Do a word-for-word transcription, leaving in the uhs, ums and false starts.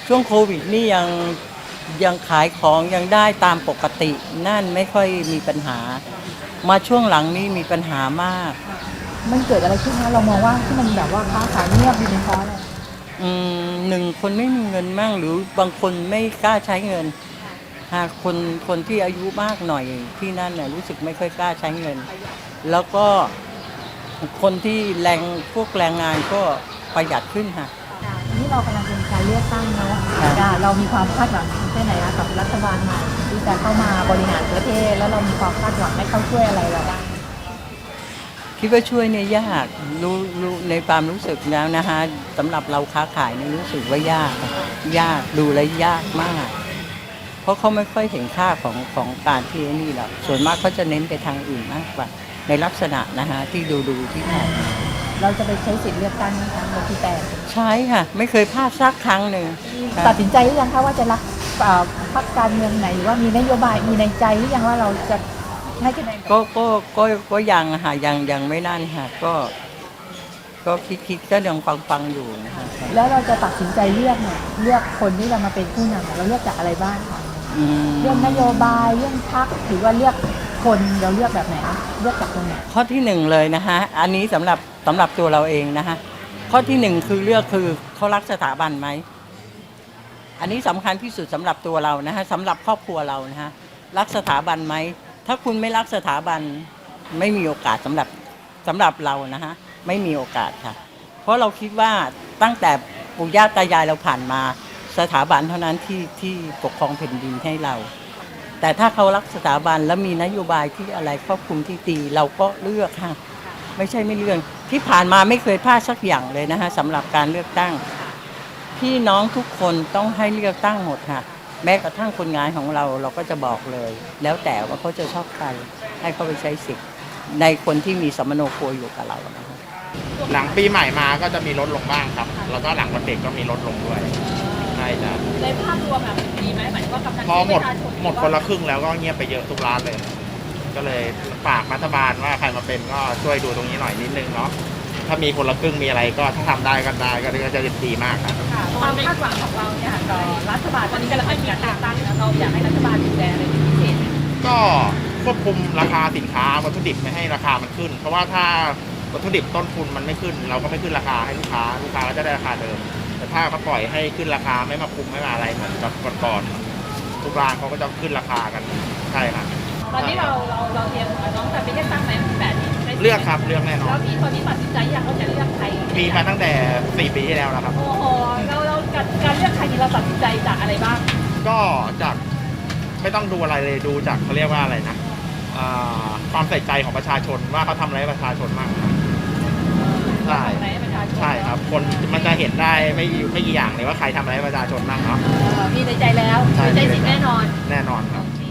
ช่วงโควิดนี่ยังยังขายของยังได้ตามปกตินั่นไม่ค่อยมีปัญหามาช่วงหลังนี่มีปัญหามากมันเกิดอะไรขึ้นคะเรามองว่าที่มันแบบว่าค้าขายเงียบดีเป็นเพราะอะไรอืมหนึ่งคนไม่มีเงินมั่งหรือบางคนไม่กล้าใช้เงินหากคนคนที่อายุมากหน่อยที่นั่นเนี่ยรู้สึกไม่ค่อยกล้าใช้เงินแล้วก็คนที่แรงพวกแรงงานก็ประหยัดขึ้นค่ะนี่เรากำลังเป็นการเลือกตั้งเนาะเรามีความคาดหวังแค่ไหนคะกับรัฐบาลใหม่ที่จะเข้ามาบริหารประเทศแล้วเรามีความคาดหวังให้เขาช่วยอะไรเราบ้างคิดว่าช่วยเนี่ยยากรู้รู้ในความรู้สึกแล้วนะคะสำหรับเราค้าขายเนี่ยรู้สึกว่ายากยากดูแลยากมากเพราะเขาไม่ค่อยเห็นค่าของของการที่นี่หรอกส่วนมากเขาจะเน้นไปทางอื่นมากกว่าในลักษณะนะคะที่ดูดูที่ผ่านเราจะไปใช้สิทธิ์เลือกตั้งไหมคะวันที่แปดใช่ค่ะไม่เคยพลาดสักครั้งหนึ่งตัดสินใจหรือยังคะว่าจะรักพรรคการเมืองไหนหรือว่ามีนโยบายมีในใจหรือยังว่าเราจะให้คะแนนก็ก็ก็ก็ยังค่ะยังยังไม่นั่นค่ะก็ก็คิดคิดก็ยังฟังฟังอยู่นะคะแล้วเราจะตัดสินใจเลือกเนี่ยเลือกคนที่เรามาเป็นผู้นำเราเลือกจากอะไรบ้างคะเรื่องนโยบายเรื่องพรรคหรือว่าเลือกคนเราเลือกแบบไหนเลือกจากตรงไหนข้อที่หนึ่งเลยนะคะอันนี้สำหรับสำหรับตัวเราเองนะคะข้อที่หนึ่งคือเลือกคือเขารักสถาบันไหมอันนี้สำคัญที่สุดสำหรับตัวเรานะคะสำหรับครอบครัวเรานะคะรักสถาบันไหมถ้าคุณไม่รักสถาบันไม่มีโอกาสสำหรับสำหรับเรานะคะไม่มีโอกาสค่ะเพราะเราคิดว่าตั้งแต่ปู่ย่าตายายเราผ่านมาสถาบันเท่านั้นที่ที่ปกครองแผ่นดินให้เราแต่ถ้าเขารักสถาบันแล้วมีนโยบายที่อะไรครอบคลุมที่ดีเราก็เลือกค่ะไม่ใช่ไม่เลือกที่ผ่านมาไม่เคยพลาดสักอย่างเลยนะคะสำหรับการเลือกตั้งพี่น้องทุกคนต้องให้เลือกตั้งหมดค่ะแม้กระทั่งคนงานของเราเราก็จะบอกเลยแล้วแต่ว่าเขาจะชอบใครให้เขาไปใช้สิทธิ์ในคนที่มีสมโนครัวอยู่กับเรานะคะหลังปีใหม่มาก็จะมีลดลงบ้างครับแล้วก็หลังวันเด็กก็มีลดลงด้วยใช่จ้ะในภาพรวมแบบดีไหมหมายถึงว่ากำลังพอหมดหมดคนละครึ่งแล้วก็เงียบไปเยอะทุกร้านเลย ก็เลยฝากรัฐบาลว่าใครมาเป็นก็ช่วยดูตรงนี้หน่อยนิดนึงเนาะถ้ามีคนละครึ่งมีอะไรก็ถ้าทำได้ก็ได้ก็จะดีมากครับความคาดหวังของเราเนี่ยต่อรัฐบาลตอนนี้กำลังมีการต่างตั้งเราอยากให้รัฐบาลดูแลอะไรเป็นพิเศษก็ควบคุมราคาสินค้าวัตถุดิบไม่ให้ราคามันขึ้นเพราะว่าถ้าวัตถุดิบต้นทุนมันไม่ขึ้นเราก็ไม่ขึ้นราคาให้ลูกค้าลูกค้าก็จะได้ราคาเดิมแต่ถ้าเขาปล่อยให้ขึ้นราคาไม่มาคุมไม่มาอะไรเหมือนกับก่อนๆทุกร้านเขาก็จะขึ้นราคากันใช่ครับตอนนี้เราเราเราเตรียมน้องแต่ไปเลือกตั้งไหมแบบนี้เลือกครับเลือกแน่นอนแล้วพี่ตอนนี้ตัดสินใจอยากเขาจะเลือกใครมีมาตั้งแต่สี่ปีที่แล้วแล้วครับโอ้โหเราเราการการเลือกใครนี่เราตัดสินใจจากอะไรบ้างก็จากไม่ต้องดูอะไรเลยดูจากเขาเรียกว่าอะไรนะความใส่ใจของประชาชนว่าเขาทำอะไรให้ประชาชนมากใช่ใช่ครับคนมันจะเห็นได้ไม่ไม่กี่อย่างเลยว่าใครทำอะไรให้ประชาชนบ้างเนาะมีในใจแล้วมีใจจริงแน่นอนแน่นอนครับ